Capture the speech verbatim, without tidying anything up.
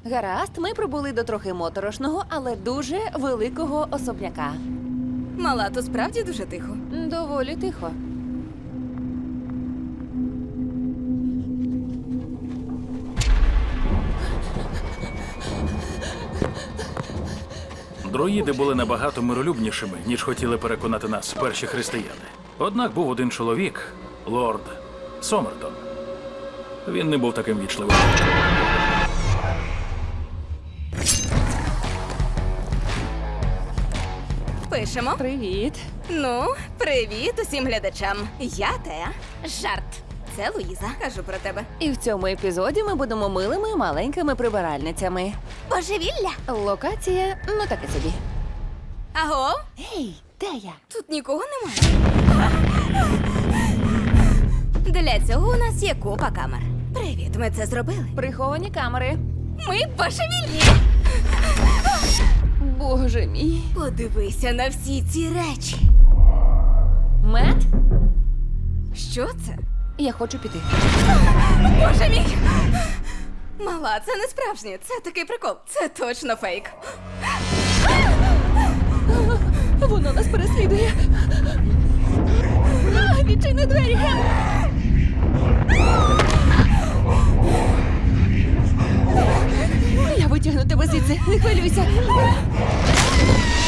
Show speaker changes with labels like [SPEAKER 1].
[SPEAKER 1] Гаразд, ми прибули до трохи моторошного, але дуже великого особняка.
[SPEAKER 2] Мала, то справді дуже тихо.
[SPEAKER 1] Доволі тихо.
[SPEAKER 3] Друїди були набагато миролюбнішими, ніж хотіли переконати нас перші християни. Однак був один чоловік, лорд Сомертон. Він не був таким вічливим.
[SPEAKER 2] Пишемо.
[SPEAKER 1] Привіт.
[SPEAKER 2] Ну, привіт усім глядачам. Я Теа. Жарт. Це Луїза. Кажу про тебе.
[SPEAKER 1] І в цьому епізоді ми будемо милими маленькими прибиральницями.
[SPEAKER 2] Божевілля.
[SPEAKER 1] Локація, ну таке собі.
[SPEAKER 2] Аго?
[SPEAKER 1] Гей, де я?
[SPEAKER 2] Тут нікого немає. Для цього у нас є купа камер. Привіт, ми це зробили.
[SPEAKER 1] Приховані камери.
[SPEAKER 2] Ми божевільні.
[SPEAKER 1] Боже мій.
[SPEAKER 2] Подивися на всі ці речі.
[SPEAKER 1] Мет,
[SPEAKER 2] Що це?
[SPEAKER 1] я хочу піти.
[SPEAKER 2] Боже мій! Мала, це не справжнє. Це такий прикол. Це точно фейк.
[SPEAKER 1] Воно нас переслідує. А, відчини двері, Гем! Я витягну тебе звідси, не хвилюйся.